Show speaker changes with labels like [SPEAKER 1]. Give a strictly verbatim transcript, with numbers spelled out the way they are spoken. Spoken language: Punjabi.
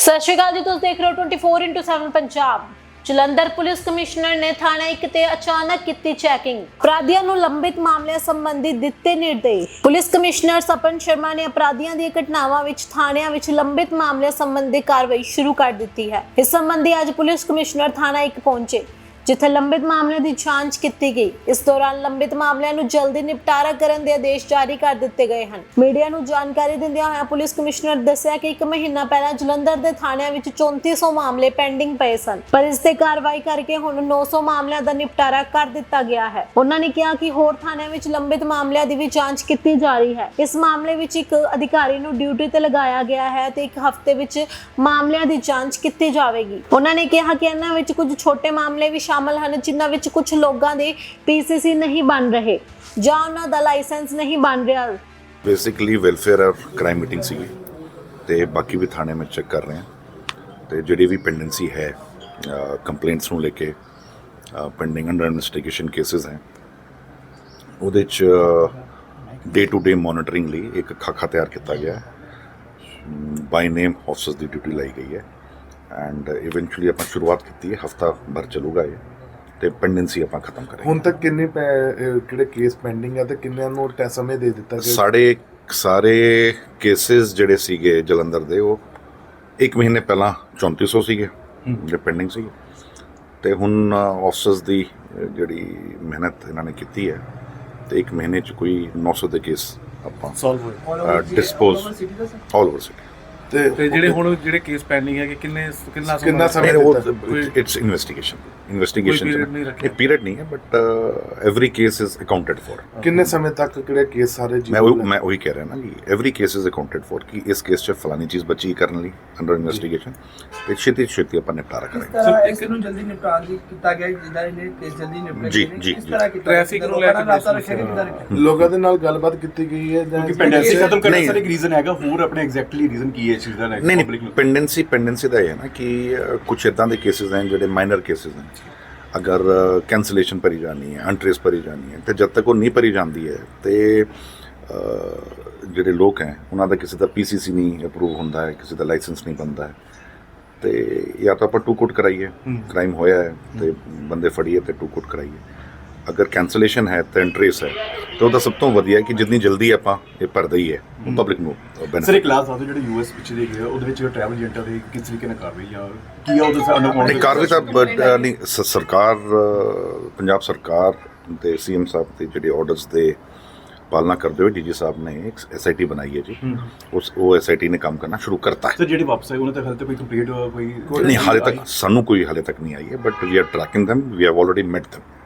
[SPEAKER 1] ਸਤਿ ਸ਼੍ਰੀ ਅਕਾਲ ਜੀ, ਤੁਸੀਂ ਦੇਖ ਰਹੇ ਹੋ twenty four into seven Punjab. Jalandhar police commissioner ਨੇ ਥਾਣਾ ਇੱਕ ਤੇ ਅਚਾਨਕ ਕੀਤੀ ਚੈਕਿੰਗ। ਅਪਰਾਧੀਆਂ ਨੂੰ ਲੰਬਿਤ ਮਾਮਲਿਆਂ ਸੰਬੰਧੀ ਦਿੱਤੇ ਨਿਰਦੇਸ਼। ਪੁਲਿਸ ਕਮਿਸ਼ਨਰ ਸਪਨ ਸ਼ਰਮਾ ਨੇ ਅਪਰਾਧੀਆਂ ਦੀਆਂ ਘਟਨਾਵਾਂ ਵਿੱਚ ਥਾਣਿਆਂ ਵਿੱਚ ਲੰਬਿਤ ਮਾਮਲਿਆਂ ਸੰਬੰਧੀ ਕਾਰਵਾਈ ਸ਼ੁਰੂ ਕਰ ਦਿੱਤੀ ਹੈ। ਇਸ ਸੰਬੰਧੀ ਅੱਜ ਪੁਲਿਸ ਕਮਿਸ਼ਨਰ ਥਾਣਾ ਇੱਕ ਪਹੁੰਚੇ, ਜਿੱਥੇ ਲੰਬਿਤ ਮਾਮਲਿਆਂ ਦੀ ਜਾਂਚ ਕੀਤੀ ਗਈ। ਇਸ ਦੌਰਾਨ ਲੰਬਿਤ ਮਾਮਲਿਆਂ ਨੂੰ ਜਲਦੀ ਨਿਪਟਾਰਾ ਕਰਨ ਦੇ ਆਦੇਸ਼ ਜਾਰੀ ਕਰ ਦਿੱਤੇ ਗਏ ਹਨ। ਮੀਡੀਆ ਨੂੰ ਜਾਣਕਾਰੀ ਦਿੰਦਿਆਂ ਹੋਇਆਂ ਪੁਲਿਸ ਕਮਿਸ਼ਨਰ ਦੱਸਿਆ ਕਿ ਇੱਕ ਮਹੀਨਾ ਪਹਿਲਾਂ ਜਲੰਧਰ ਦੇ ਥਾਣਿਆਂ ਵਿੱਚ ਚੌਂਤੀ ਸੌ ਮਾਮਲੇ ਪੈਂਡਿੰਗ ਪਏ ਸਨ, ਪਰ ਇਸ ਤੇ ਕਾਰਵਾਈ ਕਰਕੇ ਹੁਣ ਨੌ ਸੌ ਮਾਮਲਿਆਂ ਦਾ ਨਿਪਟਾਰਾ ਕਰ ਦਿੱਤਾ ਗਿਆ ਹੈ। ਉਹਨਾਂ ਨੇ ਕਿਹਾ ਕਿ ਹੋਰ ਥਾਣਿਆਂ ਵਿੱਚ ਲੰਬਿਤ ਮਾਮਲਿਆਂ ਦੀ ਵੀ ਜਾਂਚ ਕੀਤੀ ਜਾ ਰਹੀ ਹੈ। ਇਸ ਮਾਮਲੇ ਵਿੱਚ ਇੱਕ ਅਧਿਕਾਰੀ ਨੂੰ ਡਿਊਟੀ ਤੇ ਲਗਾਇਆ ਗਿਆ ਹੈ ਤੇ ਇੱਕ ਹਫ਼ਤੇ ਵਿੱਚ ਮਾਮਲਿਆਂ ਦੀ ਜਾਂਚ ਕੀਤੀ ਜਾਵੇਗੀ। ਉਹਨਾਂ ਨੇ ਕਿਹਾ ਕਿ ਇਹਨਾਂ ਵਿੱਚ ਕੁਝ ਛੋਟੇ ਮਾਮਲੇ ਵੀ ਸ਼ਾਮਲ ਹਨ, ਜਿਨ੍ਹਾਂ ਵਿੱਚ ਕੁਝ ਲੋਕਾਂ ਦੇ ਪੀਸੀਸੀ ਨਹੀਂ ਬਣ ਰਹੇ ਜਾਂ ਉਹਨਾਂ ਦਾ ਲਾਇਸੈਂਸ ਨਹੀਂ ਬਣ ਰਿਹਾ।
[SPEAKER 2] ਬੇਸਿਕਲੀ ਵੈਲਫੇਅਰ ਔਰ ਕ੍ਰਾਈਮ ਮੀਟਿੰਗ ਸੀਗੀ ਤੇ ਬਾਕੀ ਵੀ ਥਾਣੇ ਵਿੱਚ ਚੈੱਕ ਕਰ ਰਹੇ ਹਾਂ ਤੇ ਜਿਹੜੀ ਵੀ ਪੈਂਡੈਂਸੀ ਹੈ ਕੰਪਲੇਂਟਸ ਨੂੰ ਲੈ ਕੇ ਪੈਂਡਿੰਗ ਅੰਡਰ ਇਨਵੈਸਟੀਗੇਸ਼ਨ ਕੇਸਿਸ ਹੈ, ਉਹਦੇ 'ਚ ਡੇ ਟੂ ਡੇ ਮੋਨੀਟਰਿੰਗ ਲਈ ਇੱਕ ਖਾਕਾ ਤਿਆਰ ਕੀਤਾ ਗਿਆ ਬਾਈ ਨੇਮ ਆਫਿਸਰਸ ਦੀ ਡਿਊਟੀ ਲਾਈ ਗਈ ਹੈ ਐਂਡ ਇਵੈਂਚੁਅਲੀ ਆਪਾਂ ਸ਼ੁਰੂਆਤ ਕੀਤੀ ਹੈ। ਹਫਤਾ ਭਰ ਚੱਲੂਗਾ ਇਹ ਤੇ ਪੈਂਡੈਂਸੀ ਆਪਾਂ ਖਤਮ ਕਰਾਂਗੇ।
[SPEAKER 3] ਹੁਣ ਤੱਕ ਕਿੰਨੇ ਕਿਹੜੇ ਕੇਸ ਪੈਂਡਿੰਗ ਹੈ ਤੇ ਕਿੰਨਿਆਂ ਨੂੰ ਟੈ ਸਮੇਂ ਦੇ ਦਿੱਤਾ ਗਿਆ?
[SPEAKER 2] ਸਾਡੇ ਸਾਰੇ ਕੇਸਿਸ ਜਿਹੜੇ ਸੀਗੇ ਜਲੰਧਰ ਦੇ, ਉਹ ਇੱਕ ਮਹੀਨੇ ਪਹਿਲਾਂ ਚੌਂਤੀ ਸੌ ਸੀਗੇ ਜਿਹੜੇ ਪੈਂਡਿੰਗ ਸੀਗੇ ਤੇ ਹੁਣ ਆਫਿਸਰਸ ਦੀ ਜਿਹੜੀ ਮਿਹਨਤ ਇਹਨਾਂ ਨੇ ਕੀਤੀ ਹੈ ਤੇ ਇੱਕ ਮਹੀਨੇ 'ਚ ਕੋਈ ਨੌ ਸੌ ਦੇ ਕੇਸ ਆਪਾਂ
[SPEAKER 4] ਸੋਲਵ ਹੋਏ
[SPEAKER 2] ਡਿਸਪੋਜ਼ ਆਲ ਓਵਰ ਸਿਟੀ।
[SPEAKER 3] ਤੇ
[SPEAKER 4] ਤੇ ਜਿਹੜੇ ਹੁਣ ਜਿਹੜੇ ਕੇਸ ਪੈਂਡਿੰਗ ਹੈ ਕਿ ਕਿੰਨੇ ਕਿੰਨਾ
[SPEAKER 3] ਕਿੰਨਾ ਸਮੇਂ
[SPEAKER 2] ਇਟਸ ਇਨਵੈਸਟੀਗੇਸ਼ਨ ਇਨਵੈਸਟੀਗੇਸ਼ਨ
[SPEAKER 4] period ਨਹੀਂ ਰੱਖਿਆ।
[SPEAKER 2] ਇਹ ਪੀਰੀਅਡ ਨਹੀਂ ਹੈ but every case is accounted for.
[SPEAKER 3] ਕਿੰਨੇ ਸਮੇਂ ਤੱਕ ਕਿਹੜੇ ਕੇਸ ਸਾਰੇ
[SPEAKER 2] ਮੈਂ ਉਹ ਮੈਂ ਉਹੀ ਕਹਿ ਰਿਹਾ ਨਾ ਕਿ every case is accounted for ਕਿ ਇਸ ਕੇਸ 'ਚ ਫਲਾਨੀ ਚੀਜ਼ ਬਚੀ ਕਰਨ ਲਈ ਅੰਡਰ ਇਨਵੈਸਟੀਗੇਸ਼ਨ ਤੇ ਛੇਤੀ ਛੇਤੀ ਆਪਾਂ ਨਿਪਟਾਰਾ ਕਰਾਂਗੇ।
[SPEAKER 5] ਸਰ ਇਸ ਨੂੰ ਜਲਦੀ ਨਿਪਟਾਉਣ ਦੀ ਕੀਤਾ ਗਿਆ, ਜਿੱਦਾਂ ਇਹਨੇ ਕੇਸ ਜਲਦੀ ਨਿਪਟੇ
[SPEAKER 2] ਜੀ,
[SPEAKER 5] ਗਏ ਨੇ,
[SPEAKER 2] ਜੀ,
[SPEAKER 5] ਕਿਸ
[SPEAKER 2] ਜੀ।
[SPEAKER 5] ਤਰ੍ਹਾਂ ਕੀਤਾ
[SPEAKER 4] ਟ੍ਰੈਫਿਕ ਨੂੰ ਲੈ ਕੇ
[SPEAKER 5] ਰਾਬਤਾ ਰੱਖਿਆ ਗਿਆ, ਕਿੱਦਾਂ ਰੱਖਿਆ?
[SPEAKER 3] ਲੋਕਾਂ ਦੇ ਨਾਲ ਗੱਲਬਾਤ ਕੀਤੀ ਗਈ ਹੈ ਜਾਂ
[SPEAKER 6] ਕਿਉਂਕਿ ਪੈਂਡੈਂਸੀ ਖਤਮ ਕਰਨ
[SPEAKER 2] ਨਹੀਂ।
[SPEAKER 6] ਦਾ ਇੱਕ ਰੀਜ਼ਨ ਹੈਗਾ, ਹੋਰ ਆਪਣੇ ਐਗਜ਼ੈਕਟਲੀ ਰੀਜ਼ਨ ਕੀ ਹੈ ਇਸ ਚੀਜ਼ ਦਾ?
[SPEAKER 2] ਨਹੀਂ ਨਹੀਂ ਪੈਂਡੈਂਸੀ ਪੈਂਡੈਂਸੀ ਦਾ ਇਹ ਹੈ ਨਾ ਕਿ ਕੁਛ ਇੱਦਾਂ ਦੇ ਕੇਸਿਸ ਹਨ ਜਿਹੜੇ ਮਾਈਨਰ ਕੇਸਿਸ ਹਨ। ਅਗਰ ਕੈਂਸਲੇਸ਼ਨ ਭਰੀ ਜਾਣੀ ਹੈ, ਅਨਟ੍ਰੇਸ ਭਰੀ ਜਾਣੀ ਹੈ ਤੇ ਜਦ ਤੱਕ ਉਹ ਨਹੀਂ ਭਰੀ ਜਾਂਦੀ ਹੈ ਤੇ ਜਿਹੜੇ ਲੋਕ ਹੈ ਉਹਨਾਂ ਦਾ ਕਿਸੇ ਦਾ ਪੀਸੀਸੀ ਨਹੀਂ ਅਪਰੂਵ ਹੁੰਦਾ ਹੈ, ਕਿਸੇ ਦਾ ਲਾਇਸੈਂਸ ਨਹੀਂ ਬਣਦਾ ਹੈ ਤੇ ਜਾਂ ਤਾਂ ਆਪਾਂ ਟੂ ਕੋਟ ਕਰਾਈਏ, ਕ੍ਰਾਈਮ ਹੋਇਆ ਹੈ ਤੇ ਬੰਦੇ ਫੜੀਏ ਤੇ ਟੂ ਕੋਟ ਕਰਾਈਏ। ਅਗਰ ਕੈਂਸਲੇਸ਼ਨ ਹੈ ਤੇ ਅਨਟ੍ਰੇਸ ਹੈ ਤਾਂ ਉਹਦਾ ਸਭ ਤੋਂ ਵਧੀਆ ਕਿ ਜਿੰਨੀ ਜਲਦੀ ਆਪਾਂ ਇਹ ਭਰ ਦਈਏ ਉਹ ਪਬਲਿਕ ਨੂੰ ਬੈਨੀਫਿਟ।
[SPEAKER 6] ਸਰ ਇੱਕ ਲਾਸਟ ਆਦੋ ਜਿਹੜੇ ਯੂਐਸ ਵਿੱਚ ਦੇ ਗਏ ਉਹਦੇ ਵਿੱਚ ਟਰੈਵਲ ਏਜੰਟਾਂ ਦੇ ਕਿਸ ਤਰੀਕੇ ਨਾਲ ਕਾਰਵਾਈ ਆ ਕੀ ਆ ਉਹਦੇ ਅੰਡਰ
[SPEAKER 2] ਨਹੀਂ ਕਾਰਵਾਈ ਤਾਂ but, ਅ, ਨਹੀਂ ਸ- ਸਰਕਾਰ ਅ, ਪੰਜਾਬ ਸਰਕਾਰ ਤੇ ਸੀਐਮ ਸਾਹਿਬ ਦੇ ਜਿਹੜੇ ਆਰਡਰਸ ਦੇ ਪਾਲਣਾ ਕਰਦੇ ਹੋਏ ਡੀਜੀ ਸਾਹਿਬ ਨੇ ਇੱਕ ਐਸਆਈਟੀ ਬਣਾਈ ਹੈ ਜੀ। ਉਸ ਉਹ ਐਸਆਈਟੀ ਨੇ ਕੰਮ ਕਰਨਾ ਸ਼ੁਰੂ ਕਰਤਾ ਹੈ।
[SPEAKER 6] ਸਰ ਜਿਹੜੇ ਵਾਪਸ ਆਏ ਉਹਨਾਂ ਤੇ ਹਾਲੇ ਤੱਕ ਕੋਈ ਕੰਪਲੀਟ ਕੋਈ
[SPEAKER 2] ਨਹੀਂ ਹਾਲੇ ਤੱਕ ਸਾਨੂੰ ਕੋਈ ਹਾਲੇ ਤੱਕ ਨਹੀਂ ਆਈ ਹੈ but we are tracking them, we have already met them।